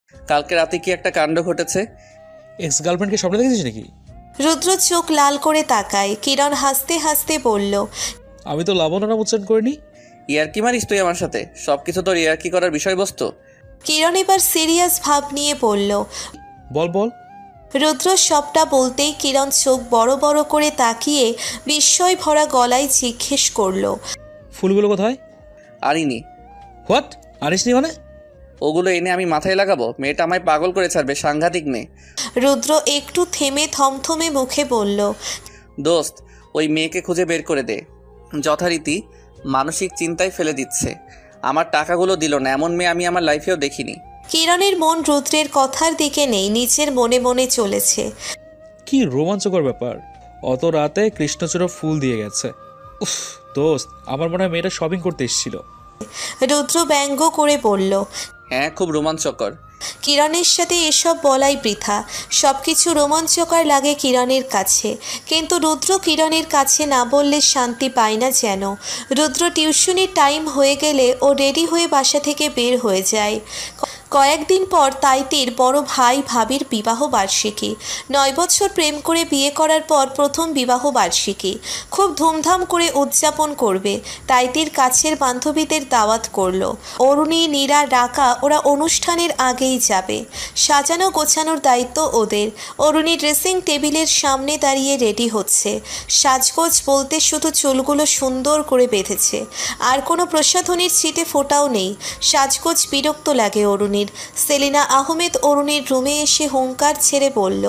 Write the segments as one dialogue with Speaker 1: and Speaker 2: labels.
Speaker 1: কালকে রাতে কি একটা কাণ্ড ঘটেছে।
Speaker 2: এক্স গার্লফ্রেন্ডকে স্বপ্নে দেখেছিস নাকি?
Speaker 3: রুদ্র চোখ লাল করে তাকায়। কিরণ হাসতে হাসতে বলল,
Speaker 2: আমি তো লাবণ্য নাম উচ্চারণ করিনি।
Speaker 1: ইয়ার্কি মারিস তুই আমার সাথে? সবকিছু তোর ইয়ার্কি করার বিষয়বস্তু।
Speaker 3: কিরণ এবার সিরিয়াস ভাব নিয়ে বলল।
Speaker 2: বল বল।
Speaker 3: রুদ্র সবটা বলতেই কিরণ চোখ বড় বড় করে তাকিয়ে বিস্ময় ভরা গলায় জিজ্ঞেস করলো,
Speaker 2: ফুলগুলো কোথায়?
Speaker 1: আরিনি।
Speaker 2: হোয়াট? আনিসনি মানে?
Speaker 1: ওগুলো এনে আমি মাথায় লাগাবো? মেয়েটা আমায় পাগল করে ছাড়বে, সাংঘাতিক মেয়ে।
Speaker 3: রুদ্র একটু থেমে থমথমে মুখে বলল,
Speaker 1: দোস্ত, ওই মেয়েকে খুঁজে বের করে দে। যথারীতি মানসিক চিন্তায় ফেলে দিচ্ছে। আমার টাকাগুলো দিল না, এমন মেয়ে আমি আমার লাইফেও দেখিনি।
Speaker 3: কিরণের মন রুদ্রের কথার দিকে নেই, নিচের মনে মনে চলেছে।
Speaker 2: কি রোমাঞ্চকর ব্যাপার! অত রাতে কৃষ্ণচূড়া ফুল দিয়ে গেছে। উফ দোস্ত, আমার মনে হয় মেয়েটা শপিং করতে এসেছিল।
Speaker 3: রুদ্র ব্যঙ্গ করে বলল।
Speaker 1: হ্যাঁ, খুব রোমাঞ্চকর।
Speaker 3: কিরণের সাথে এসব বলাই বৃথা। সবকিছু রোমাঞ্চকর লাগে কিরণের কাছে, কিন্তু রুদ্র কিরণের কাছে না বললে শান্তি পায় না যেন। রুদ্র টিউশনির টাইম হয়ে গেলে ও রেডি হয়ে বাসা থেকে বের হয়ে যায়। কয়েকদিন পর তাইতির বড় ভাই ভাবির বিবাহ বার্ষিকী। 9 বছর প্রেম করে বিয়ে করার পর প্রথম বিবাহ বার্ষিকী। খুব ধুমধাম করে উদযাপন করবে। তাইতির কাছের বান্ধবীদের দাওয়াত করলো। অরুণী, নীরা, রাকা ওরা অনুষ্ঠানের আগেই যাবে। সাজানো গোছানোর দায়িত্ব ওদের। অরুণী ড্রেসিং টেবিলের সামনে দাঁড়িয়ে রেডি হচ্ছে। সাজগোজ বলতে শুধু চুলগুলো সুন্দর করে বেঁধেছে, আর কোনো প্রসাধনীর ছিটে ফোটাও নেই। সাজগোজ বিরক্ত লাগে অরুণীর। সেলিনা আহমেদ অরুণীর রুমে এসে হুঙ্কার ছেড়ে বলল,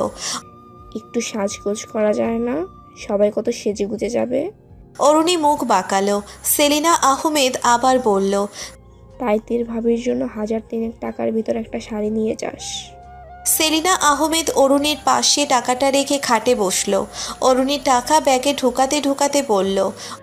Speaker 4: একটু সাজগোজ করা যায় না? সবাই কত সেজে গুজে যাবে।
Speaker 3: অরুণী মুখ বাঁকালো। সেলিনা আহমেদ আবার বলল,
Speaker 4: তাইতির ভাবির জন্য 1000 টাকার ভিতর একটা শাড়ি নিয়ে যাস।
Speaker 3: সেলিনা আহমেদ অরুণীর পাশে টাকাটা রেখে খাটে বসলো। অরুণী টাকা ব্যাগে ঢোকাতে ঢোকাতে বলল,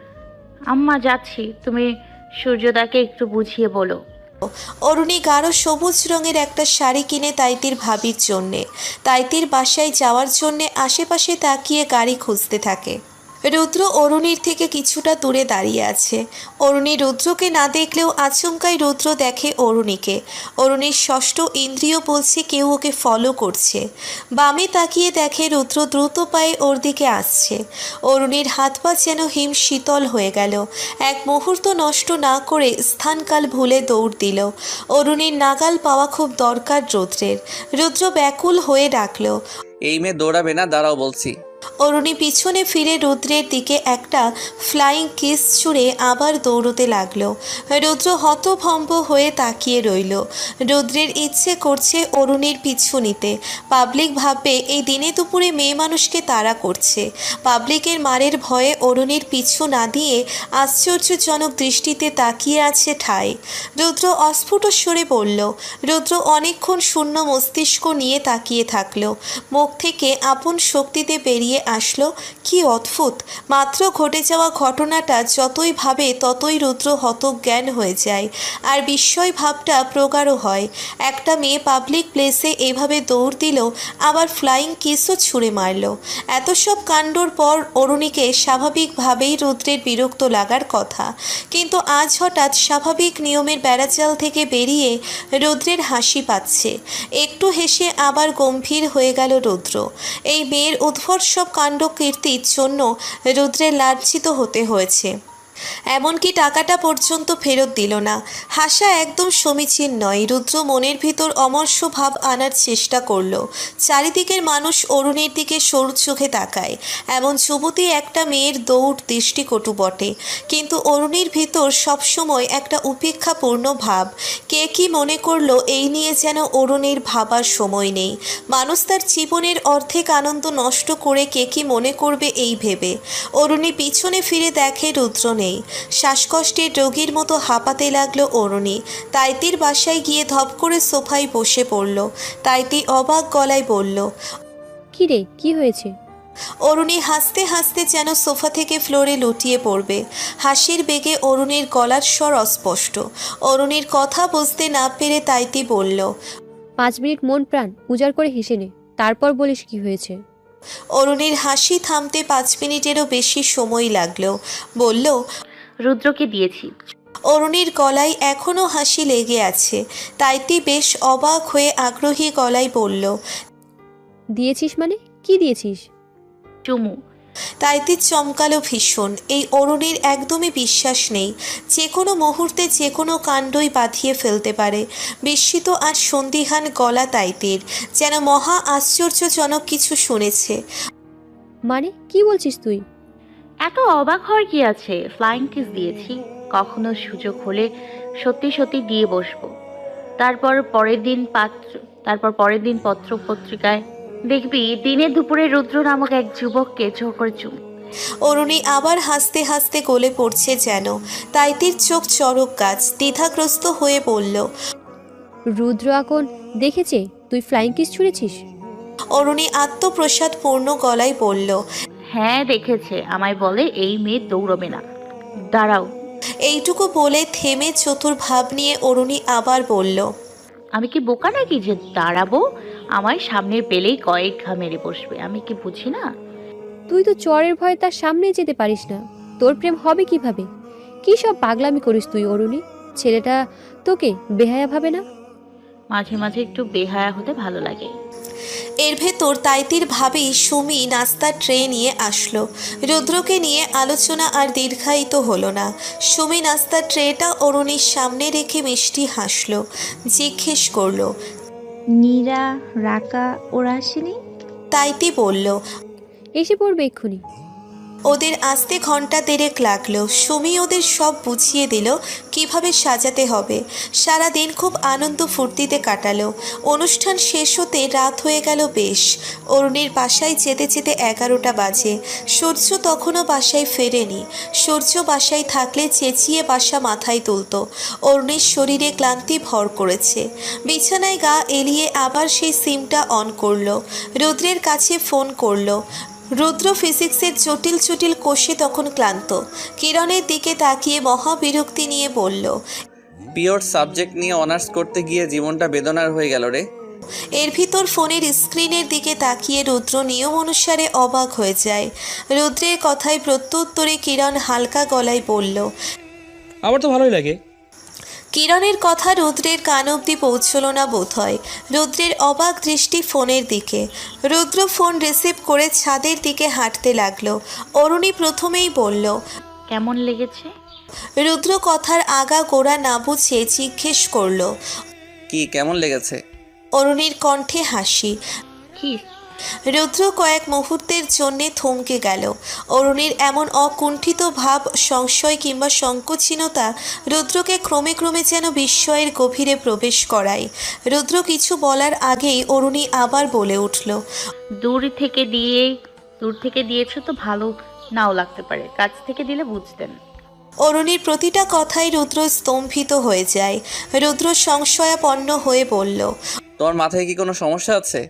Speaker 5: আম্মা যাচ্ছি, তুমি সূর্যদাকে একটু বুঝিয়ে বলো।
Speaker 3: অরুণী গাঢ় সবুজ রঙের একটা শাড়ি কিনে তাইতির ভাবির জন্যে। তাইতির বাসায় যাওয়ার জন্যে আশেপাশে তাকিয়ে গাড়ি খুঁজতে থাকে। রুদ্র অরুণীর থেকে কিছুটা দূরে দাঁড়িয়ে আছে। অরুণী রুদ্রকে না দেখলেও আচমকাই রুদ্র দেখে অরুণীকে। অরুণীর ষষ্ঠ ইন্দ্রিয় বলছে কেউ ওকে ফলো করছে। বামে তাকিয়ে দেখে রুদ্র দ্রুত পায়ে ওর দিকে আসছে। অরুণীর হাত পা যেন হিম শীতল হয়ে গেল। এক মুহূর্ত নষ্ট না করে স্থানকাল ভুলে দৌড় দিল। অরুণীর নাগাল পাওয়া খুব দরকার রুদ্রের। রুদ্র ব্যাকুল হয়ে ডাকল,
Speaker 1: এই মেয়ে দৌড়াবে না, দাঁড়াও বলছি।
Speaker 3: অরুণী পিছনে ফিরে রুদ্রের দিকে একটা ফ্লাইং কিস ছুঁড়ে আবার দৌড়তে লাগলো। রুদ্র হতভম্ব হয়ে তাকিয়ে রইল। রুদ্রের ইচ্ছে করছে অরুণীর পিছু নিতে। পাবলিক ভাববে এই দিনে দুপুরে মেয়ে মানুষকে তাড়া করছে। পাবলিকের মারের ভয়ে অরুণীর পিছু না দিয়ে আশ্চর্যজনক দৃষ্টিতে তাকিয়ে আছে ঠায়। রুদ্র অস্ফুট স্বরে বলল। রুদ্র অনেকক্ষণ শূন্য মস্তিষ্ক নিয়ে তাকিয়ে থাকলো। মুখ থেকে আপন শক্তিতে বেরিয়ে আসলো, কি অদ্ভুত! মাত্র ঘটে যাওয়া ঘটনাটা যতই ভাবে ততই রুদ্র হতজ্ঞান হয়ে যায়, আর বিস্ময় ভাবটা প্রগাঢ় হয়। একটা মেয়ে পাবলিক প্লেসে এভাবে দৌড় দিল, আবার ফ্লাইং কিসও ছুঁড়ে মারল। এত সব কাণ্ডর পর অরুণীকে স্বাভাবিকভাবেই রুদ্রের বিরক্ত লাগার কথা, কিন্তু আজ হঠাৎ স্বাভাবিক নিয়মের বেড়াজাল থেকে বেরিয়ে রুদ্রের হাসি পাচ্ছে। একটু হেসে আবার গম্ভীর হয়ে গেল রুদ্র। এই মেয়ের উদ্ভট সব কাণ্ড কীর্তির জন্য রুদ্রের লাঞ্ছিত হতে হয়েছে। এমনকি টাকাটা পর্যন্ত ফেরত দিল না। হাসা একদম সমীচীন নয়। রুদ্র মনের ভিতর অমর্ষ ভাব আনার চেষ্টা করল। চারিদিকের মানুষ অরুণীর দিকে সরু চোখে তাকায়। এমন যুবতী একটা মেয়ের দৌড় দৃষ্টিকটু বটে, কিন্তু অরুণীর ভিতর সবসময় একটা উপেক্ষাপূর্ণ ভাব। কে কি মনে করলো এই নিয়ে যেন অরুণীর ভাবার সময় নেই। মানুষ তার জীবনের অর্ধেক আনন্দ নষ্ট করে কে কি মনে করবে এই ভেবে। অরুণী পিছনে ফিরে দেখে রুদ্র নেই। শ্বাসকষ্টের রোগীর মতো হাঁপাতে লাগলো অরুণী। তাইতির বাসায় গিয়ে ধপ করে সোফায় বসে পড়ল। তাইতি অবাক গলায় বলল,
Speaker 6: কি রে, কি হয়েছে?
Speaker 3: অরুণী হাসতে হাসতে যেন সোফা থেকে ফ্লোরে লুটিয়ে পড়বে। হাসির বেগে অরুণীর গলার স্বর অস্পষ্ট। অরুণীর কথা বুঝতে না পেরে তাইতি বলল,
Speaker 6: 5 মিনিট মন প্রাণ উজাড় করে হেসে নে, তারপর বলিস কি হয়েছে।
Speaker 3: অরুণীর হাসি থামতে 5 মিনিটেরও বেশি সময় লাগলো। বলল,
Speaker 5: রুদ্রকে দিয়েছি।
Speaker 3: অরুণীর গলায় এখনও হাসি লেগে আছে। তাইতি বেশ অবাক হয়ে আগ্রহী গলায় বলল,
Speaker 6: দিয়েছিস মানে কি দিয়েছিস?
Speaker 5: চুমু।
Speaker 3: তাইতি চমকালো ভীষণ। এই অরুণীর একদমই বিশ্বাস নেই, যে কোনো মুহূর্তে যে কোনো কাণ্ডই বাঁধিয়ে ফেলতে পারে। বিস্মিত আর সন্দিহান গলা তাইতির, যেন মহা আশ্চর্যজনক কিছু শুনেছে।
Speaker 6: মানে কি বলছিস তুই?
Speaker 5: এত অবাক হওয়ার কি আছে? ফ্লাইং কিস দিয়েছি। কখনো সুযোগ হলে সত্যি সত্যি দিয়ে বসবো। তারপর পরের দিন পত্র পত্রিকায় দেখবি দিনে দুপুরে রুদ্র নামক এক যুবককে জোর করে চুমু।
Speaker 3: অরুণী আবার হাসতে হাসতে গলে পড়ছে যেন। তাইতির চোখ চড়ক গাছ, দ্বিধাগ্রস্ত হয়ে বলল,
Speaker 6: রুদ্র এখন দেখেছে তুই ফ্লাইং কিস ছুঁড়েছিস?
Speaker 3: অরুণী আত্মপ্রসাদপূর্ণ গলায় বলল,
Speaker 5: হ্যাঁ দেখেছে। আমায় বলে এই মেয়ে দৌড়বে না। দাঁড়াও।
Speaker 3: এইটুকু বলে থেমে চতুর ভাব নিয়ে অরুণী আবার বলল,
Speaker 5: আমি কি বোকা নাকি যে দাঁড়াবো? আমায় সামনে পেলেই কয়েক ঘা মেরে বসবে। আমি কি বুঝি না?
Speaker 6: তুই তো চরের ভয়ে তার সামনে যেতে পারিস না। তোর প্রেম হবে কিভাবে? কি সব পাগলামি করিস তুই অরুণী? ছেলেটা তোকে বেহায়া ভাবে না?
Speaker 5: মাঝে মাঝে একটু বেহায়া হতে ভালো লাগে।
Speaker 3: এর ভেতর তাইতির ভাবেই সুমি নাস্তার ট্রে নিয়ে আসলো। রুদ্রকে নিয়ে আলোচনা আর দীর্ঘায়িত হলো না। সুমি নাস্তার ট্রেটা অরুণীর সামনে রেখে মিষ্টি হাসলো, জিজ্ঞেস করলো,
Speaker 7: নীরা, রাকা ওরা আসেনি?
Speaker 3: তাইতি বলল,
Speaker 6: এসে পড়বে এক্ষুনি।
Speaker 3: ওদের আসতে ঘন্টা দেড়েক লাগলো। সুমি ওদের সব বুঝিয়ে দিল কিভাবে সাজাতে হবে। সারা দিন খুব আনন্দ ফুর্তিতে কাটালো। অনুষ্ঠান শেষ হতে রাত হয়ে গেল বেশ। অরুণীর বাসায় যেতে যেতে 11টা বাজে। সূর্য তখনও বাসায় ফেরেনি। সূর্য বাসায় থাকলে চেঁচিয়ে বাসা মাথায় তুলত। অরুণীর শরীরে ক্লান্তি ভর করেছে। বিছানায় গা এলিয়ে আবার সেই সিমটা অন করলো। রুদ্রের কাছে ফোন করলো। রুদ্র ফিজিক্সের জটিল জটিল কোষে তখন ক্লান্ত। কিরণের দিকে তাকিয়ে মহাবিরক্তি নিয়ে বলল,
Speaker 1: পিওর সাবজেক্ট নিয়ে অনার্স করতে গিয়ে জীবনটা বেদনার হয়ে গেল রে।
Speaker 3: এর ভিতর ফোনের স্ক্রিনের দিকে তাকিয়ে রুদ্র নিয়ম অনুসারে অবাক হয়ে যায়। রুদ্রের কথায় প্রত্যুত্তরে কিরণ হালকা গলায় বলল,
Speaker 2: আমার তো ভালোই লাগে।
Speaker 3: কিরণের কথা রুদ্রের কান অবধি পৌঁছল না বোধহয়। রুদ্রের অবাক দৃষ্টি ফোনের দিকে। রুদ্র ফোন রিসিভ করে ছাদের দিকে হাঁটতে লাগলো। অরুণী প্রথমেই বলল,
Speaker 5: কেমন লেগেছে?
Speaker 3: রুদ্র কথার আগা গোড়া না বুঝে জিজ্ঞেস করলো।
Speaker 1: কি কেমন লেগেছে?
Speaker 3: অরুণীর কণ্ঠে হাসি।
Speaker 5: কি?
Speaker 3: রুদ্র কয়েক মুহূর্তের জন্যে থমকে গেল। অরুণীর এমন অকুণ্ঠিত ভাব, সংশয় কিংবা সংকোচীনতা রুদ্রকে ক্রমে ক্রমে যেন বিস্ময়ের গভীরে প্রবেশ করায়। রুদ্র কিছু বলার আগেই অরুণী আবার বলে উঠল,
Speaker 5: দূর থেকে দিয়েছো তো ভালো নাও লাগতে পারে, কাছ থেকে দিলে বুঝতেন।
Speaker 3: অরুণীর প্রতিটা কথায় রুদ্র স্তম্ভিত হয়ে যায়। রুদ্র সংশয়াপন্ন হয়ে বলল,
Speaker 1: তোমার মাথায় কি কোনো সমস্যা আছে?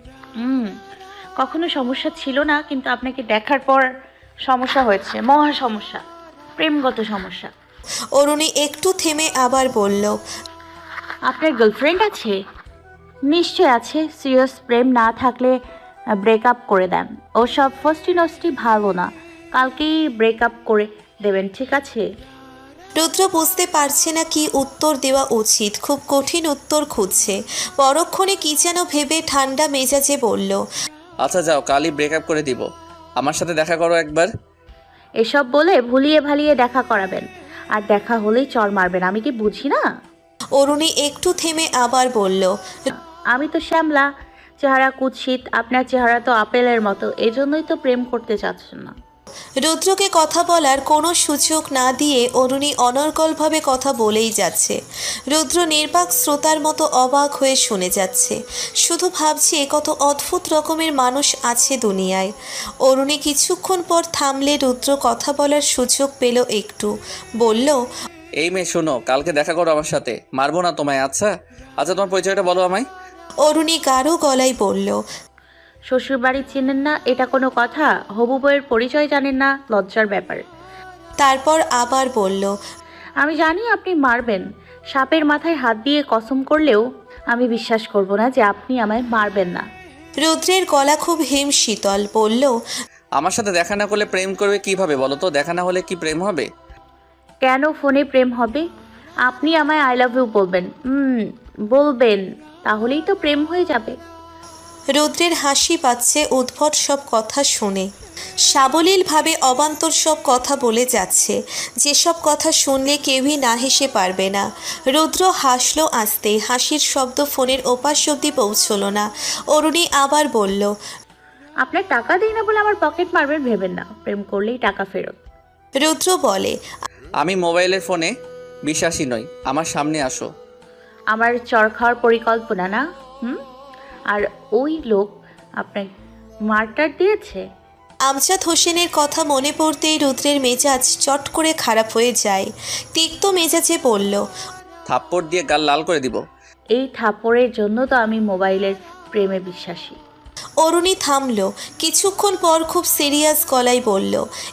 Speaker 5: কখনো সমস্যা ছিল না, কিন্তু আপনাকে দেখার পর সমস্যা হয়েছে। মহা সমস্যা, প্রেমগত সমস্যা।
Speaker 3: অরুণী একটু থেমে আবার বলল,
Speaker 5: আপনার গার্লফ্রেন্ড আছে? নিশ্চয় আছে। সিরিয়াস প্রেম না থাকলে ব্রেকআপ করে দেন। ওসব ফষ্টি নষ্টি ভালো না। কালকেই ব্রেকআপ করে দেবেন, ঠিক আছে?
Speaker 3: রুদ্র বুঝতে পারছে না কি উত্তর দেওয়া উচিত। খুব কঠিন উত্তর খুঁজছে। পরক্ষণে কি যেন ভেবে ঠান্ডা মেজাজে বলল,
Speaker 1: আচ্ছা যাও, কালই ব্রেকআপ করে দিব। আমার সাথে দেখা করো একবার।
Speaker 5: এসব বলে ভুলিয়ে ভালিয়ে দেখা করাবেন, আর দেখা হলেই চর মারবেন। আমি কি বুঝি না?
Speaker 3: অরুণী একটু থেমে আবার বলল,
Speaker 5: আমি তো শ্যামলা, চেহারা কুৎসিত। আপনার চেহারা তো আপেলের মতো, এজন্যই তো প্রেম করতে চাচ্ছেন না।
Speaker 3: রুদ্রকে কথা বলার কোনো সুযোগ না দিয়ে অরুণী অনর্গলভাবে কথা বলেই যাচ্ছে। রুদ্র নির্বাক শ্রোতার মতো অবাক হয়ে শুনে যাচ্ছে। শুধু ভাবছে কত অদ্ভুত রকমের মানুষ আছে দুনিয়ায়। অরুণী কিছুক্ষণ পর থামলে রুদ্র কথা বলার সুযোগ পেল একটু। বলল,
Speaker 1: এই মেয়ে শোনো, কালকে দেখা করো আমার সাথে। মারবো না তোমায়। আচ্ছা আচ্ছা, তোমার পরিচয়টা বলো আমায়।
Speaker 3: অরুণী গাঢ় গলায় বলল,
Speaker 5: শ্বশুরবাড়ি চেনেন না, এটা কোনো কথা? হবু বউয়ের পরিচয় জানেন না, লজ্জার ব্যাপার।
Speaker 3: তারপর আবার বলল,
Speaker 5: আমি জানি আপনি মারবেন। সাপের মাথায় হাত দিয়ে কসম করলেও আমি বিশ্বাস করব না যে আপনি আমায় মারবেন না।
Speaker 3: রুদ্রের গলা খুব হিম শীতল। বলল,
Speaker 1: আমার সাথে দেখা না করলে প্রেম করবে কিভাবে বলো তো? দেখা না হলে কি প্রেম হবে?
Speaker 5: কেন ফোনে প্রেম হবে? আপনি আমায় আই লাভ ইউ বলবেন। বলবেন, তাহলেই তো প্রেম হয়ে যাবে।
Speaker 3: রুদ্রের হাসি পাচ্ছে উদ্ভট সব কথা শুনে। সাবলীলভাবে অবান্তর সব কথা বলে যাচ্ছে, যেসব কথা শুনলে কেউই না হেসে পারবে না। রুদ্র হাসলো আস্তে, হাসির শব্দ ফোনের ওপাশ অব্দি পৌঁছলো না। অরুণী আবার বলল,
Speaker 5: আপনার টাকা দিই না বলে আমার পকেট মারবেন ভেবেন না, প্রেম করলেই টাকা ফেরত।
Speaker 3: রুদ্র বলে,
Speaker 1: আমি মোবাইলের ফোনে বিশ্বাসী নই, আমার সামনে আসো।
Speaker 5: আমার চর খাওয়ার পরিকল্পনা না? আর ওই লোক আপনার মার্টার দিয়েছে?
Speaker 3: আমজাদ হোসেনের কথা মনে পড়তেই রুদ্রের মেজাজ চট করে খারাপ হয়ে যায়। তিক্ত মেজাজে বলল,
Speaker 1: থাপ্পড় দিয়ে গাল লাল করে দিব।
Speaker 5: এই থাপ্পড়ের জন্য তো আমি মোবাইলের প্রেমে বিশ্বাসী।
Speaker 3: অরুণী থামল, কিছুক্ষণ পর খুব সিরিয়াস গলায় বলল,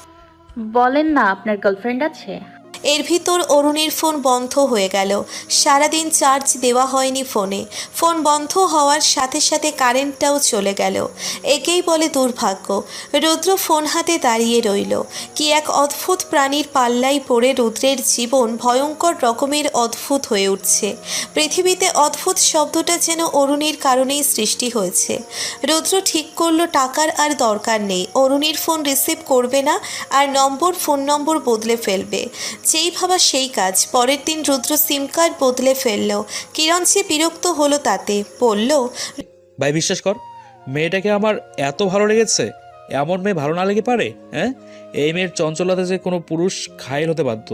Speaker 5: বলেন না, আপনার গার্লফ্রেন্ড আছে?
Speaker 3: এর ভিতর অরুণীর ফোন বন্ধ হয়ে গেল। সারাদিন চার্জ দেওয়া হয়নি ফোনে। ফোন বন্ধ হওয়ার সাথে সাথে কারেন্টটাও চলে গেল। একেই বলে দুর্ভাগ্য। রুদ্র ফোন হাতে দাঁড়িয়ে রইল। কি এক অদ্ভুত প্রাণীর পাল্লায় পড়ে রুদ্রের জীবন ভয়ঙ্কর রকমের অদ্ভুত হয়ে উঠছে। পৃথিবীতে অদ্ভুত শব্দটা যেন অরুণীর কারণেই সৃষ্টি হয়েছে। রুদ্র ঠিক করলো টাকার আর দরকার নেই, অরুণীর ফোন রিসিভ করবে না, আর ফোন নম্বর বদলে ফেলবে। যেই ভাবা সেই কাজ। পরের দিন রুদ্র সিম কার্ড বদলে ফেলল। কিরণ যে বিরক্ত হলো তাতে, বলল,
Speaker 2: ভাই বিশ্বাস কর, মেয়েটাকে আমার এত ভালো লেগেছে। এমন মেয়ে ভালো না লেগে পারে? হ্যাঁ, এই মেয়ের চঞ্চলতা যে কোনো পুরুষ ঘায়েল হতে বাধ্য।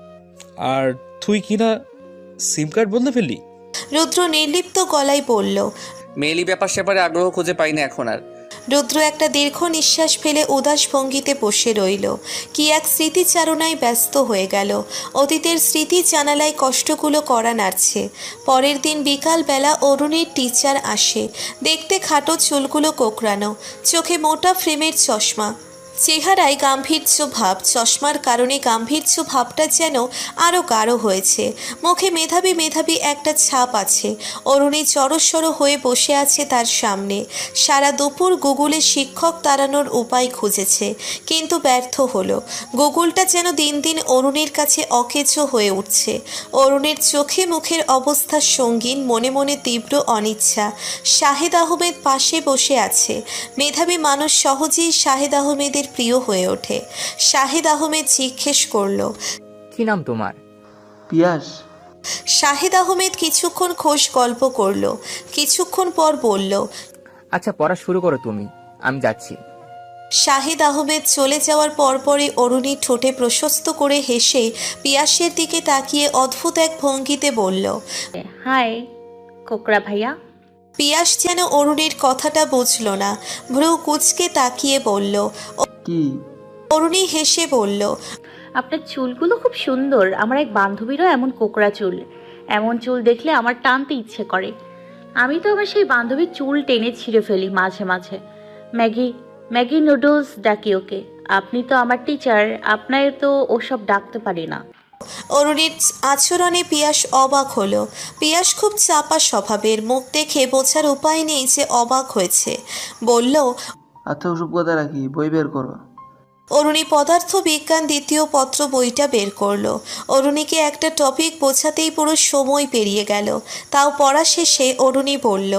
Speaker 2: আর তুই কি না সিম কার্ড বদলে ফেললি?
Speaker 3: রুদ্র নির্লিপ্ত গলায় বলল।
Speaker 1: মেয়েলি ব্যাপার স্যাপারে আগ্রহ খুঁজে পাই না এখন আর।
Speaker 3: রুদ্র একটা দীর্ঘ নিঃশ্বাস ফেলে উদাস ভঙ্গিতে বসে রইল। কি এক স্মৃতিচারণায় ব্যস্ত হয়ে গেল। অতীতের স্মৃতি জানালায় কষ্টগুলো করা নাড়ছে। পরের দিন বিকালবেলা অরুণীর টিচার আসে। দেখতে খাটো, চুলগুলো কোঁকড়ানো, চোখে মোটা ফ্রেমের চশমা, চেহারায় গাম্ভীর্য ভাব। চশমার কারণে গাম্ভীর্য ভাবটা যেন আরও গাঢ় হয়েছে। মুখে মেধাবী মেধাবী একটা ছাপ আছে। অরুণী জড়সড় হয়ে বসে আছে তার সামনে। সারা দুপুর গুগলে শিক্ষক তাড়ানোর উপায় খুঁজেছে, কিন্তু ব্যর্থ হলো। গুগলটা যেন দিন দিন অরুণীর কাছে অকেজো হয়ে উঠছে। অরুণীর চোখে মুখের অবস্থা সঙ্গীন, মনে মনে তীব্র অনিচ্ছা। শাহেদ আহমেদ পাশে বসে আছে। মেধাবী মানুষ সহজেই শাহেদ আহমেদের প্রিয় হয়ে ওঠে। শাহেদ আহমেদ জিজ্ঞেস করল,
Speaker 8: কি নাম তোমার?
Speaker 9: পিয়াস।
Speaker 3: শাহেদ আহমেদ কিছুক্ষণ খোশ গল্প করল। কিছুক্ষণ পর বলল,
Speaker 8: আচ্ছা পড়া শুরু করো তুমি, আমি যাচ্ছি।
Speaker 3: শাহেদ আহমেদ চলে যাওয়ার পরপরই অরুণী ঠোঁটে প্রশস্ত করে হেসে পিয়াসের দিকে তাকিয়ে অদ্ভুত এক ভঙ্গিতে বলল,
Speaker 5: হাই কোকড়া ভাইয়া।
Speaker 3: পিয়াস যেন অরুণীর কথাটা বুঝল না। ভ্রু কুঁচকে তাকিয়ে বলল,
Speaker 9: কি?
Speaker 3: অরুণী হেসে বলল,
Speaker 5: আপনার চুলগুলো খুব সুন্দর। আমার এক বান্ধবীরও এমন কোকড়া চুল। এমন চুল দেখলে আমার টানতে ইচ্ছে করে। আমি তো আমার সেই বান্ধবীর চুল টেনে ছিঁড়ে ফেলি মাঝে মাঝে। ম্যাগি ম্যাগি নুডলস ডাকি ওকে। আপনি তো আমার টিচার, আপনার তো ওসব ডাকতে পারি না।
Speaker 3: অরুণীর আচরণে পিয়াস অবাক হলো। পিয়াস খুব চাপা স্বভাবের, মুখ দেখে বোঝার উপায় নেই যে অবাক হয়েছে। বলল,
Speaker 9: আচ্ছা ওসব কথা রাখি, বই বের করো।
Speaker 3: অরুণী পদার্থ বিজ্ঞান দ্বিতীয় পত্র বইটা বের করলো। অরুণীকে একটা টপিক বোঝাতেই পুরো সময় পেরিয়ে গেল। তাও পড়া শেষে অরুণী বলল,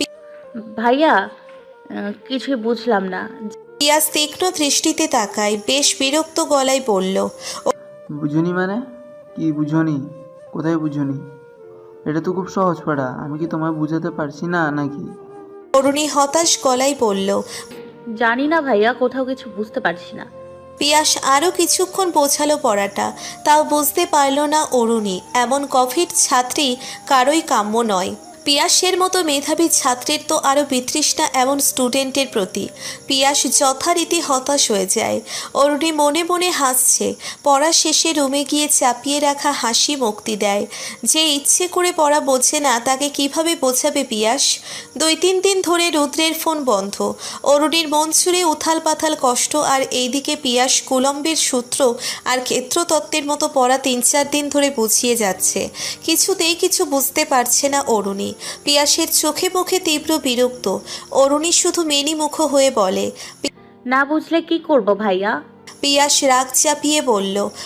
Speaker 5: ভাইয়া কিছুই বুঝলাম না।
Speaker 3: পিয়াস তীক্ষ্ণ দৃষ্টিতে তাকায়, বেশ বিরক্ত গলায় বলল,
Speaker 9: বুঝুনি মানে? কি বুঝনি? কোথায় বুঝুনি? এটা তো খুব সহজ পড়া, আমি কি তোমায় বুঝাতে পারছি না নাকি?
Speaker 3: অরুণী হতাশ গলায় বলল।
Speaker 5: জানি না ভাইয়া, কোথাও কিছু বুঝতে পারছি না।
Speaker 3: পিয়াস আরও কিছুক্ষণ বোঝালো পড়াটা, তাও বুঝতে পারল না অরুণী। এমন কফির ছাত্রী কারোই কাম্য নয়। পিয়াসের মতো মেধাবী ছাত্রের তো আরও বিতৃষ্ণা এমন স্টুডেন্টের প্রতি। পিয়াস যথারীতি হতাশ হয়ে যায়। অরুণী মনে মনে হাসছে। পড়া শেষে রুমে গিয়ে চাপিয়ে রাখা হাসি মুক্তি দেয়। যে ইচ্ছে করে পড়া বোঝে না তাকে কিভাবে বোঝাবে পিয়াস? 2-3 দিন ধরে রুদ্রের ফোন বন্ধ। অরুণীর মন ছুঁড়ে উথাল পাথাল কষ্ট, আর এইদিকে পিয়াস কুলম্বের সূত্র আর ক্ষেত্রতত্ত্বের মতো পড়া 3-4 দিন ধরে বুঝিয়ে যাচ্ছে। কিছুতেই কিছু বুঝতে পারছে না অরুণী। পিয়াসের চোখে মুখে তীব্র বিরক্ত। অরুণী শুধু মেনিমুখ হয়ে বলে,
Speaker 5: না বুঝলে কি করব ভাইয়া?
Speaker 3: পিয়াস রাগ চাপিয়ে বলল,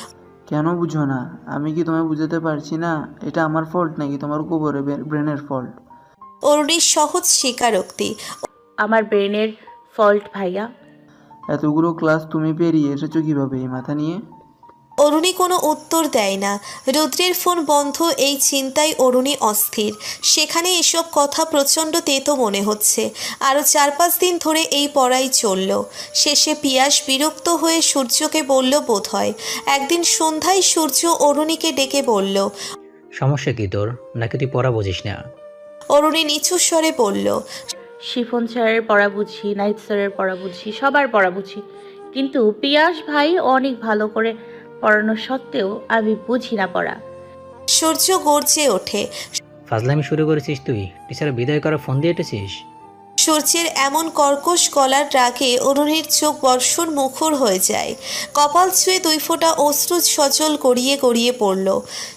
Speaker 9: কেন বুঝো না? আমি কি তোমায় বুঝাতে পারছি না? এটা আমার ফল্ট নাকি তোমার গোবরে ব্রেনের ফল্ট?
Speaker 3: অরুণীর সহজ স্বীকারোক্তি।
Speaker 5: আমার ব্রেনের ফল্ট ভাইয়া।
Speaker 9: এতগুলো ক্লাস তুমি পেরিয়ে এসেছো কিভাবে এই মাথা নিয়ে?
Speaker 3: অরুণী কোনো উত্তর দেয় না। রুদ্রের ফোন বন্ধ, এই চিন্তায় অরুণী অস্থির। সেখানে এসব কথা প্রচণ্ড তেতো মনে হচ্ছে। আরও 4-5 দিন ধরে এই পড়াই চলল। শেষে পিয়াস বিরক্ত হয়ে সূর্যকে বলল বোধহয়। একদিন সন্ধ্যায় সূর্য অরুণীকে ডেকে বলল।
Speaker 10: সমস্যা কি তোর? নাকি তুই পড়া বুঝিস না?
Speaker 3: অরুণী নিচু স্বরে বলল।
Speaker 5: শিফন স্যারের পড়া বুঝি, নাইট স্যারের পড়া বুঝি, সবার পড়া বুঝি, কিন্তু পিয়াস ভাই অনেক ভালো করে পড়ানো সত্ত্বেও আমি বুঝি না পড়া।
Speaker 3: সূর্য গর্জে ওঠে।
Speaker 10: ফাজলামি শুরু করেছিস তুই? টিচার বিদায় করে ফোন দিয়ে এটেছিস?
Speaker 3: সূর্যের এমন কর্কশ গলার রাগে অরুণীর চোখ বর্ষণ মুখর হয়ে যায়। কপাল ছুঁয়ে 2 ফোঁটা অশ্রু সজল গড়িয়ে গড়িয়ে পড়ল।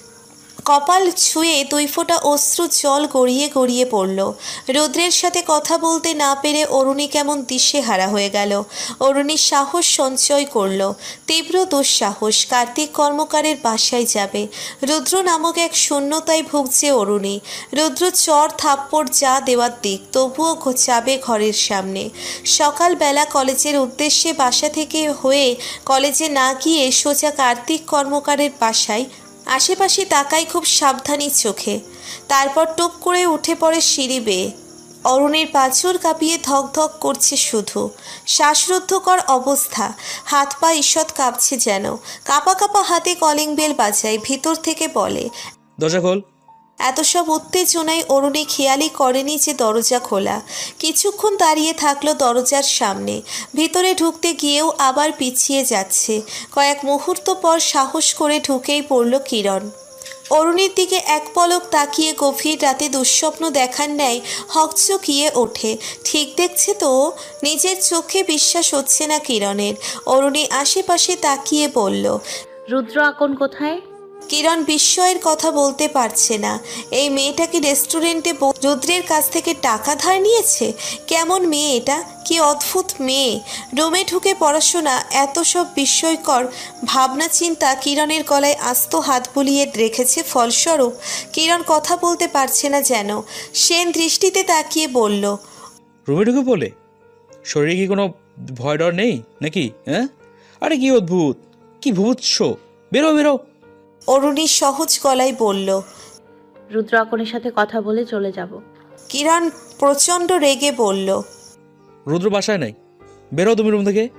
Speaker 3: কপাল ছুঁয়ে 2 ফোঁটা অশ্রু জল গড়িয়ে গড়িয়ে পড়ল। রুদ্রের সাথে কথা বলতে না পেরে অরুণী কেমন দিশেহারা হয়ে গেল। অরুণী সাহস সঞ্চয় করল, তীব্র দুঃসাহস। কার্তিক কর্মকারের বাসায় যাবে। রুদ্র নামক এক শূন্যতায় ভুগছে অরুণী। রুদ্র চর থাপ্পড় যা দেওয়ার দিক, তবুও যাবে ঘরের সামনে। সকালবেলা কলেজের উদ্দেশ্যে বাসা থেকে হয়ে কলেজে না গিয়ে সোজা কার্তিক কর্মকারের বাসায়। আশেপাশে তাকাই খুব সাবধানী চোখে। তারপর টুপ করে উঠে পড়ে সিঁড়ি বেয়ে। অরুণীর পাঁচর কাঁপিয়ে ধক ধক করছে শুধু। শ্বাসরুদ্ধকর অবস্থা, হাত পা ঈষৎ কাঁপছে যেন। কাঁপা কাঁপা হাতে কলিং বেল বাজায়। ভিতর থেকে বলে,
Speaker 2: দরজা খোল।
Speaker 3: এত সব উত্তেজনায় অরুণী খেয়ালই করেনি যে দরজা খোলা। কিছুক্ষণ দাঁড়িয়ে থাকলো দরজার সামনে। ভিতরে ঢুকতে গিয়েও আবার পিছিয়ে যাচ্ছে। কয়েক মুহূর্ত পর সাহস করে ঢুকেই পড়ল কিরণ। অরুণীর দিকে এক পলক তাকিয়ে গভীর রাতে দুঃস্বপ্ন দেখার ন্যায় হকচকিয়ে ওঠে। ঠিক দেখছে তো? নিজের চোখে বিশ্বাস হচ্ছে না কিরণের। অরুণী আশেপাশে তাকিয়ে বলল,
Speaker 5: রুদ্র আকন কোথায়?
Speaker 3: কিরণ বিস্ময়ের কথা বলতে পারছে না। এই মেয়েটা কি রেস্টুরেন্টে রুদ্রের কাছ থেকে টাকা ধার নিয়েছে? কেমন মেয়ে এটা? কি অদ্ভুত মেয়ে! রুমে ঢুকে পড়াশোনা, এত সব বিস্ময়কর ভাবনা চিন্তা কিরণের গলায় আস্ত হাত বুলিয়ে রেখেছে। ফলস্বরূপ কিরণ কথা বলতে পারছে না যেন। সেন দৃষ্টিতে তাকিয়ে বলল,
Speaker 2: রুমে ঢুকে বলে? শরীরে কি কোনো ভয় ডর নেই নাকি? হ্যাঁ, আরে কি অদ্ভুত, কি ভুবুৎস! বেরো বেরো।
Speaker 3: অরুণী সহজ গলায় বলল।
Speaker 5: রুদ্র আকনের সাথে কথা বলে চলে যাব।
Speaker 3: কিরণ প্রচণ্ড রেগে বলল,
Speaker 2: রুদ্র বাসায় নাই, বেরো তুমি রুম থেকে।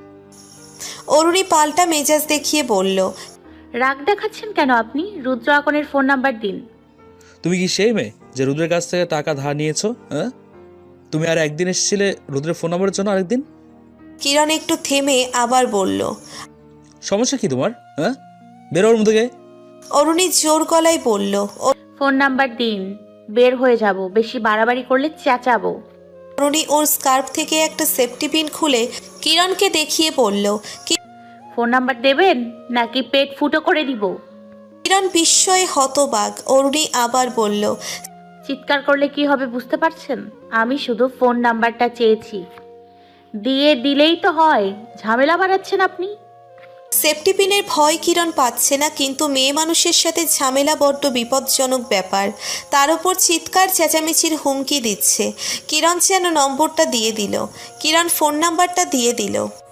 Speaker 3: অরুণী পাল্টা মেজাজ দেখিয়ে বলল,
Speaker 5: রাগ দেখাচ্ছেন কেন আপনি? রুদ্র আকনের ফোন নাম্বার দিন।
Speaker 2: তুমি কি সেই মেয়ে যে রুদ্রের কাছ থেকে টাকা ধার নিয়েছো? হ্যাঁ, তুমি আর একদিন এসেছিলে রুদ্রের ফোন নাম্বারের জন্য, আরেকদিন।
Speaker 3: কিরণ একটু থেমে আবার বলল,
Speaker 2: সমস্যা কি তোমার? হ্যাঁ, বেরো রুম থেকে।
Speaker 3: অরুণী জোর গলায় বলল,
Speaker 5: ফোন নাম্বার দিন, বের হয়ে যাব। বেশি বাড়াবাড়ি করলে চেঁচাবো।
Speaker 3: অরুণী ওর স্কার্ফ থেকে একটা সেফটি পিন খুলে কিরণকে দেখিয়ে বলল,
Speaker 5: ফোন নাম্বার দেবেন নাকি পেট ফুটো করে দিব?
Speaker 3: কিরণ বিস্ময়ে হতবাক। অরুণী আবার বলল,
Speaker 5: চিৎকার করলে কি হবে বুঝতে পারছেন? আমি শুধু ফোন নাম্বারটা চেয়েছি, দিয়ে দিলেই তো হয়। ঝামেলা বাড়াচ্ছেন আপনি।
Speaker 3: সেফটি পিনের ভয় কিরণ পাচ্ছে না, কিন্তু মেয়ে মানুষের সাথে ঝামেলা বড্ড বিপজ্জনক ব্যাপার। তার উপর চিৎকার চেঁচামেচির হুমকি দিচ্ছে। কিরণ যেন নম্বরটা দিয়ে দিল। কিরণ ফোন নাম্বারটা দিয়ে দিল।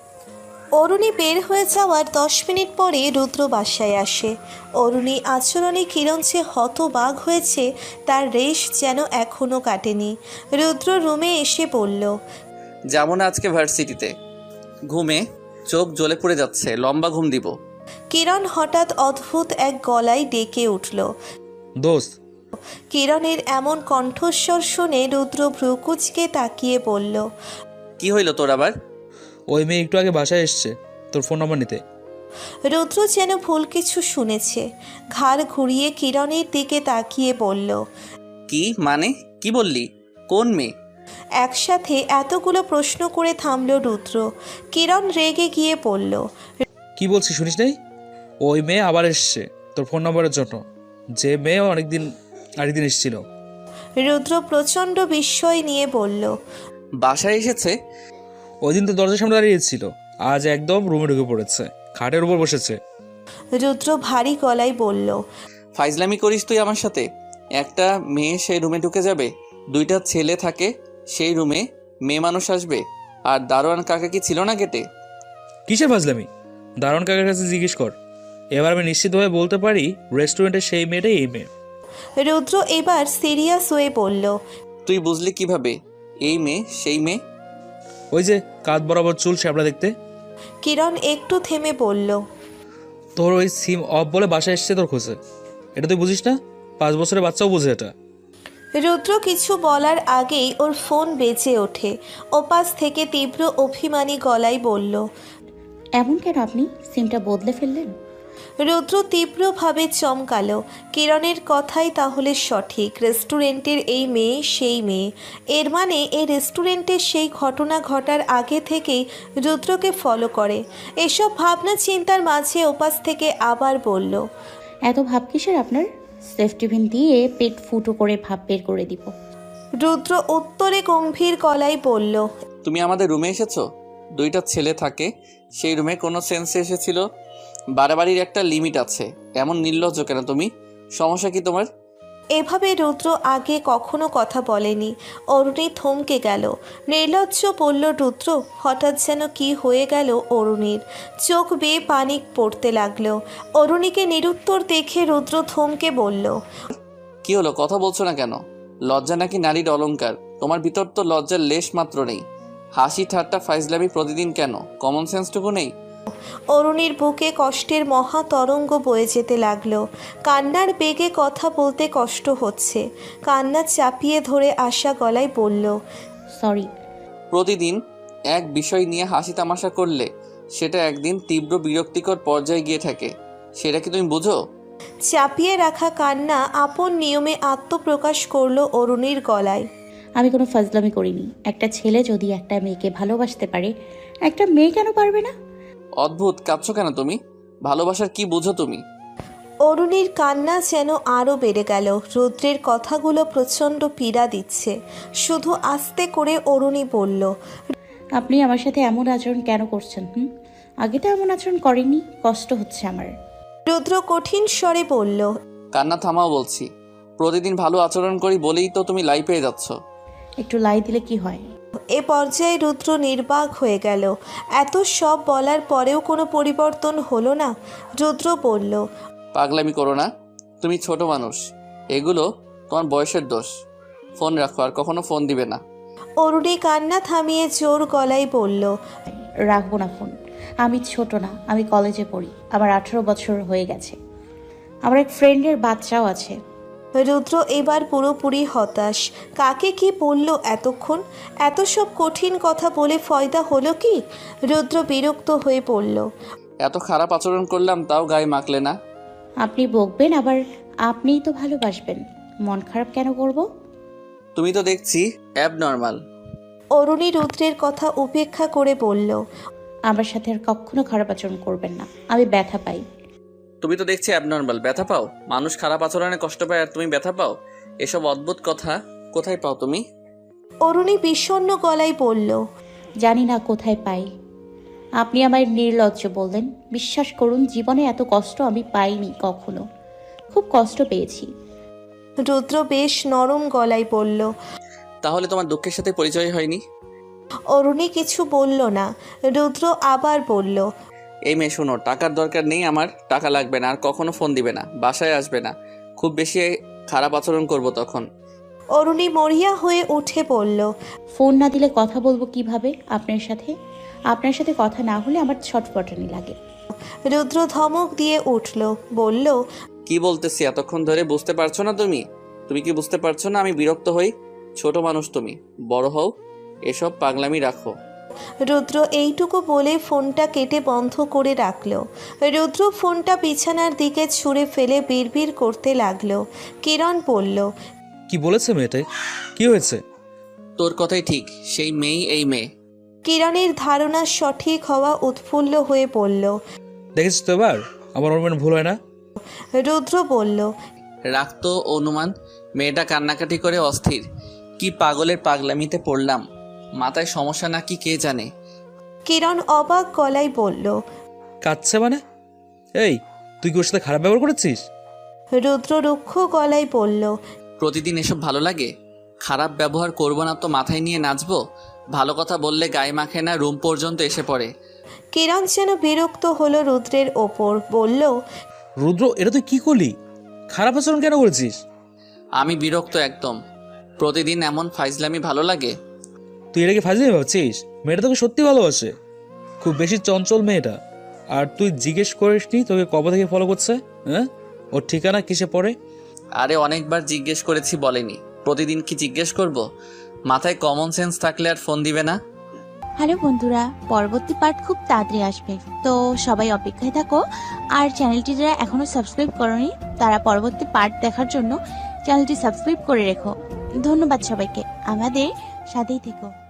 Speaker 3: অরুণী বের হয়ে যাওয়ার 10 মিনিট পরে রুদ্র বাসায় আসে। অরুণী আচরণে কিরণ যে হতবাক হয়েছে তার রেশ যেন এখনও কাটেনি। রুদ্র রুমে এসে বলল,
Speaker 1: যাবো না আজকে ভার্সিটিতে। ঘুমে চোখ জ্বলে পড়ে যাচ্ছে, লম্বা ঘুম দিব।
Speaker 3: কিরণ হঠাৎ অদ্ভুত এক গলায় ডেকে উঠল।
Speaker 2: দোস্ত।
Speaker 3: কিরণের এমন কণ্ঠস্বর শুনে রুদ্র ভ্রুকুচকে তাকিয়ে বলল,
Speaker 1: কি হইল তোর আবার?
Speaker 2: ওই মেয়ে একটু আগে বাসায় এসছে তোর ফোন নাম্বার নিতে।
Speaker 3: রুদ্র যেন ভুল কিছু শুনেছে। ঘাড় ঘুরিয়ে কিরণের দিকে তাকিয়ে বলল,
Speaker 1: কি মানে? কি বললি? কোন মেয়ে?
Speaker 3: একসাথে এতগুলো প্রশ্ন করে থামল রুদ্র। কিরণ রেগে গিয়ে বলল,
Speaker 2: কি বলছি শুনিস নাই? ওই মেয়ে আবার এসছে তোর ফোন নাম্বারের জন্য, যে মেয়ে আরেকদিন এসেছিল।
Speaker 3: রুদ্র প্রচণ্ড বিস্ময় নিয়ে বলল,
Speaker 1: বাসায় এসেছে?
Speaker 2: ওই দিন তো দরজার সামনে দাঁড়িয়েছিল, আজ একদম রুমে ঢুকে পড়েছে, খাটের উপর বসেছে।
Speaker 3: রুদ্র ভারী গলায় বলল,
Speaker 1: ফাইজলামি করিস তুই আমার সাথে? একটা মেয়ে সেই রুমে ঢুকে যাবে, দুইটা ছেলে থাকে সেই রুমে, মেয়ে মানুষ আসবে, আর দারোয়ান কাকা কি ছিল না গেটে?
Speaker 2: কিসের ফাজলামি? দারুণ কাকার কাছে জিজ্ঞেস কর। এবার আমি নিশ্চিতভাবে বলতে পারি রেস্টুরেন্টের সেই মেয়েটাই এই মেয়ে।
Speaker 3: রুদ্র এবার সিরিয়াস হয়ে বলল,
Speaker 1: তুই বুঝলি কিভাবে এই মেয়ে সেই মেয়ে?
Speaker 2: ওই যে কাঁধ বরাবর চুল শ্যাবলা দেখতে।
Speaker 3: কিরণ একটু থেমে বলল,
Speaker 2: তোর ওই সিম অফ বলে বাসায় এসছে তোর খোঁজে। এটা তুই বুঝিস না? 5 বছরের বাচ্চাও বুঝে এটা।
Speaker 3: রুদ্র কিছু বলার আগেই ওর ফোন বেজে ওঠে। ওপাশ থেকে তীব্র অভিমানী গলায় বলল,
Speaker 5: এমন কেন আপনি সিমটা বদলে ফেললেন?
Speaker 3: রুদ্র তীব্রভাবে চমকালো। কিরণের কথাই তাহলে সঠিক, রেস্টুরেন্টের এই মেয়ে সেই মেয়ে। এর মানে এই রেস্টুরেন্টের সেই ঘটনা ঘটার আগে থেকেই রুদ্রকে ফলো করে। এসব ভাবনা চিন্তার মাঝে ওপাশ থেকে আবার বলল,
Speaker 5: এত ভাব কিসের আপনার? সেফটি পিন দিয়ে পেট ফুটো করে ভাব বের করে দিব।
Speaker 3: রুদ্র উত্তরে গম্ভীর গলায় বলল,
Speaker 1: তুমি আমাদের রুমে এসেছো, দুইটা ছেলে থাকে সেই রুমে, কোনো সেন্সে এসেছিল? বাড়াবাড়ির একটা লিমিট আছে। এমন নির্লজ্জ কেন তুমি? সমস্যা কি তোমার?
Speaker 3: এভাবে রুদ্র আগে কখনো কথা বলেনি। অরুণী থমকে গেল। নির্লজ্জ বলল রুদ্র। হঠাৎ যেন কি হয়ে গেল অরুণীর। চোখ বেয়ে পানি পড়তে লাগলো। অরুণীকে নিরুত্তর দেখে রুদ্র থমকে বলল,
Speaker 1: কি হলো, কথা বলছো না কেন? লজ্জা নাকি নারীর অলংকার? তোমার ভিতর তো লজ্জার লেশ মাত্র নেই। হাসি ঠাট্টা ফাইজলামি প্রতিদিন কেন? কমন সেন্সটুকু নেই?
Speaker 3: অরুণীর বুকে কষ্টের মহা তরঙ্গ বয়ে যেতে লাগলো। কান্নার বেগে কথা বলতে কষ্ট হচ্ছে। কান্না চাপিয়ে ধরে আসা গলায় বলল,
Speaker 5: সরি।
Speaker 1: প্রতিদিন এক বিষয় নিয়ে হাসি তামাশা করলে সেটা একদিন তীব্র বিরক্তিকর পর্যায়ে গিয়ে থাকে। সেটা কি তুমি বুঝো?
Speaker 3: চাপিয়ে রাখা কান্না আপন নিয়মে আত্মপ্রকাশ করলো অরুণীর গলায়।
Speaker 5: আমি কোনো ফাজলামি করিনি। একটা ছেলে যদি একটা মেয়েকে ভালোবাসতে পারে, একটা মেয়ে কেন পারবে না?
Speaker 1: অদ্ভুত, কাঁদছো কেন তুমি? ভালোবাসার কি বুঝো তুমি?
Speaker 3: অরুণীর কান্না যেন আরও বেড়ে গেল। রুদ্রের কথাগুলো প্রচণ্ড পীড়া দিচ্ছে। শুধু আস্তে করে অরুণী বলল,
Speaker 5: আপনি আমার সাথে এমন আচরণ কেন করছেন? আগে তো এমন আচরণ করেনি, কষ্ট হচ্ছে আমার।
Speaker 3: রুদ্র কঠিন স্বরে বলল,
Speaker 1: কান্না থামাও বলছি। প্রতিদিন ভালো আচরণ করি বলেই তো তুমি লাই পেয়ে যাচ্ছ।
Speaker 5: একটু লাই দিলে কি হয়?
Speaker 3: এ পর্যায়ে রুদ্র নির্বাক হয়ে গেল। এত সব বলার পরেও কোনো পরিবর্তন হলো না। রুদ্র বলল,
Speaker 1: পাগলামি করো না, তুমি ছোট মানুষ। এগুলো তোমার বয়সের দোষ। ফোন রাখো, আর কখনো ফোন দিবে না।
Speaker 3: অরুণী কান্না থামিয়ে জোর গলায় বলল,
Speaker 5: রাখবো না ফোন। আমি ছোট না, আমি কলেজে পড়ি। আমার 18 বছর হয়ে গেছে। আমার এক ফ্রেন্ডের বাচ্চাও আছে।
Speaker 3: রুদ্র এবার পুরোপুরি হতাশ। কাকে কি বলল এতক্ষণ? এত সব কঠিন কথা বলে ফয়দা হলো কি? রুদ্র বিরক্ত হয়ে পড়ল।
Speaker 1: এত খারাপ আচরণ করলাম তাও গায়ে মাখলে না।
Speaker 5: আপনি বকবেন, আবার আপনিই তো ভালোবাসবেন। মন খারাপ কেন করব?
Speaker 1: তুমি তো দেখছি অ্যাবনর্মাল।
Speaker 3: অরুণী রুদ্রের কথা উপেক্ষা করে বলল,
Speaker 5: আমার সাথে আর কখনো খারাপ আচরণ করবেন না। আমি ব্যথা পাই।
Speaker 1: তুমি তো দেখছি অ্যাবনর্মাল। ব্যথা পাও? মানুষ খারাপ আচরণে কষ্ট পায় আর তুমি ব্যথা পাও? এসব অদ্ভুত কথা কোথায় পাও তুমি?
Speaker 3: অরুণী বিষণ্ণ গলায় বলল,
Speaker 5: জানি না কোথায় পাই। আপনি আমায় নির্লজ্জ বললেন। বিশ্বাস করুন, জীবনে এত কষ্ট আমি পাইনি কখনো। খুব কষ্ট পেয়েছি।
Speaker 3: রুদ্র বেশ নরম গলায় বলল।
Speaker 1: তাহলে তোমার দুঃখের সাথে পরিচয় হয়নি?
Speaker 3: অরুণী কিছু বলল না। রুদ্র আবার বলল,
Speaker 1: এই মেয়ে শোনো, টাকার দরকার নেই আমার, টাকা লাগবে না, আর কখনো ফোন দিবে না, বাসায় আসবে না। খুব বেশি খারাপ আচরণ করব তখন।
Speaker 3: অরুণী মরিয়া হয়ে উঠে বলল,
Speaker 5: ফোন না দিলে কথা বলবো কিভাবে আপনার সাথে? আপনার সাথে কথা না হলে আমার ছটফটানি লাগে।
Speaker 3: রুদ্র ধমক দিয়ে উঠল, বলল,
Speaker 1: কি বলতেছি এতক্ষণ ধরে বুঝতে পারছো না তুমি? তুমি কি বুঝতে পারছো না আমি বিরক্ত হই? ছোট মানুষ তুমি, বড় হও। এসব পাগলামি রাখো।
Speaker 3: রুদ্র এইটুকু বলে ফোনটা কেটে বন্ধ করে রাখল। রুদ্র ফোনটা বিছানার দিকে ছুঁড়ে ফেলে বিড়বিড় করতে লাগলো। কিরণ বলল,
Speaker 2: কি বলেছে মেয়েটাই? কি হয়েছে?
Speaker 1: তোর কথাই ঠিক, সেই মেয়েই এই মেয়ে।
Speaker 3: কিরণের ধারণা সঠিক হওয়া উৎফুল্ল হয়ে পড়ল।
Speaker 2: দেখেছিস তো এবার আমার অনুমান ভুল হয় না?
Speaker 3: রুদ্র বলল,
Speaker 1: রাখতো অনুমান। মেয়েটা কান্নাকাটি করে অস্থির। কি পাগলের পাগলামিতে পড়লাম? মাথায় সমস্যা নাকি কে জানে।
Speaker 3: কিরণ অবাক গলায় বলল,
Speaker 2: কাঁদছে মানে? এই তুই কি ওর সাথে খারাপ ব্যবহার করেছিস?
Speaker 3: রুদ্র রুক্ষ গলায় বলল।
Speaker 1: প্রতিদিন এসব ভালো লাগে? খারাপ ব্যবহার করবো না তো মাথায় নিয়ে নাচবো? ভালো কথা বললে গায়ে মাখে না, রুম পর্যন্ত এসে পড়ে।
Speaker 3: কিরণ যেন বিরক্ত হলো রুদ্রের ওপর, বলল,
Speaker 2: রুদ্র, এটা তুই কি করলি? খারাপ আচরণ কেন করেছিস?
Speaker 1: আমি বিরক্ত একদম। প্রতিদিন এমন ফাইজলামি ভালো লাগে?
Speaker 2: তুই এটাকে ফাজলামি ভাবছিস? মেয়েটা তোকে সত্যি ভালোবাসে। খুব বেশি চঞ্চল মেয়েটা। আর তুই জিজ্ঞেস করিসনি তোকে কবে থেকে ফলো করছে? হ্যাঁ, ওর ঠিকানা কিসে পড়ে?
Speaker 1: আরে অনেকবার জিজ্ঞেস করেছি, বলেনি। প্রতিদিন কি জিজ্ঞেস করব? মাথায় কমন সেন্স থাকলে আর ফোন দিবে না?
Speaker 11: হ্যালো বন্ধুরা, পরবর্তী পার্ট খুব তাড়াতাড়ি আসবে, তো সবাই অপেক্ষায় থাকো। আর চ্যানেলটি যারা এখনো সাবস্ক্রাইব করোনি তারা পরবর্তী পার্ট দেখার জন্য চ্যানেলটি সাবস্ক্রাইব করে রেখো। ধন্যবাদ সবাইকে, আমাদের সাথেই থেকো।